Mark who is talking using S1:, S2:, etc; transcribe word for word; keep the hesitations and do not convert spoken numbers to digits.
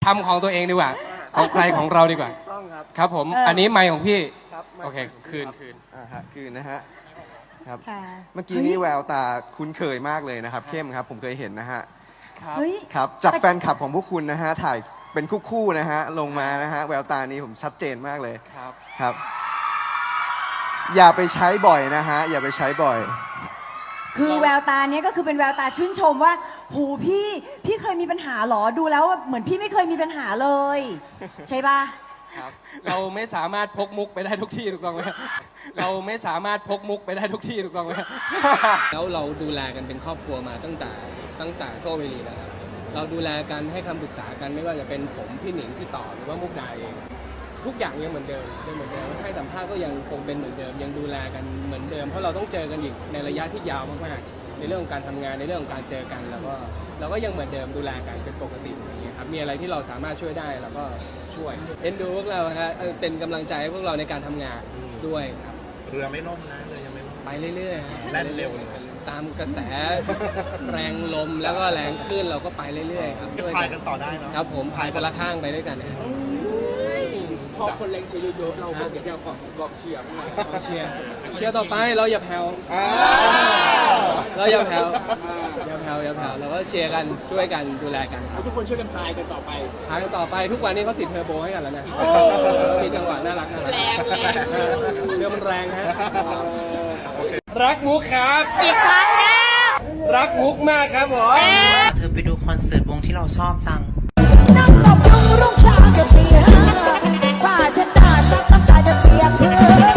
S1: ำของตัวเองดีกว่าของใครของเราดีกว่า
S2: ต้องครับ
S1: ครับผมอันนี้ไมค์ของพี่
S2: ครับ
S1: โอเคคืนคืน
S2: อ่าฮะคืนนะฮะครับ
S3: ค่ะ
S2: เมื่อกี้นี้แววตาคุ้นเคยมากเลยนะครับเข้มครับผมเคยเห็นนะฮะ
S1: ครับ
S3: เฮ้ย
S2: ครับจากแฟนคลับของพวกคุณนะฮะถ่ายเป็นคู่ๆนะฮะลงมานะฮะแววตานี้ผมชัดเจนมากเลย
S1: ครับ
S2: ครับ อย่าไปใช้บ่อยนะฮะอย่าไปใช้บ่อย
S3: คือแววตาเนี้ยก็คือเป็นแววตาชื่นชมว่าหูพี่พี่เคยมีปัญหาหรอดูแล้วเหมือนพี่ไม่เคยมีปัญหาเลย ใช่ปะ
S1: ครับเราไม่สามารถพกมุกไปได้ทุกที่ถูกต้องไหมเราไม่สามารถพกมุกไปได้ทุกที่ถูกต้องไหมแล้วเราดูแลกันเป็นครอบครัวมาตั้งแต่ตั้งแต่โซเวลีแล้วครับเราดูแลกันให้คำปรึกษากันไม่ว่าจะเป็นผมพี่หนิงพี่ต่อหรือว่ามุกดาเองทุกอย่างยังเหมือนเดิมยังเหมือนเดิมให้สัมภาษณ์ก็ยังคงเป็นเหมือนเดิมยังดูแลกันเหมือนเดิมเพราะเราต้องเจอกันอีกในระยะที่ยาวมากๆในเรื่องของการทำงานในเรื่องของการเจอกันแล้วก็เราก็ยังเหมือนเดิมดูแลกันเป็นปกติอย่างเงี้ยครับมีอะไรที่เราสามารถช่วยได้เราก็ช่วยเอ็นดูพวกเราครับเป็นกำลังใจให้พวกเราในการทำงานด้วยครับ
S4: เรือไม่ล่มนะเรือยังไม่ล่ม
S1: ไปเรื่อยๆ
S4: แล่นเร็วเลย
S1: ตามกระแสแรงลมแล้วก็แรงคลื่นเราก็ไปเรื่อยๆครับ
S4: พายกันต่อได้เนาะ
S1: ครับผมพายคนละข้างไปด้วยกันนะ
S5: พอคนแรงเชียร์เยอะๆเราก็อยากจะกองกองเชียร์ข้างใน
S1: เชียร์เชียร์ต่อไปเราอย่าแผ่ว
S4: อ่า
S1: เราอย่าแผ่วอย่าแผ่วอย่าแผ่วเราก็เชียร์กันช่วยกันดูแลกันครับ
S5: ทุกคนช่วยกันพายกันต่อไป
S1: พายกันต่อไปทุกวันนี้เขาติดเทอร์โบให้กันแล้วนะมีจังหวะน่ารักน่ารัก
S5: แรงแรง
S1: เรือมันแรงฮะ
S5: รักมุกครับอีกครั้งแล้วรักมุกมากครับผม
S6: เธอไปดูคอนเสิร์ตวงที่เราชอบจัง
S7: นั่งตบยุงรุ่งเช้าจะตีห้าผ้าเช็ดหน้าซักน้ำตาจะเปียกพื้น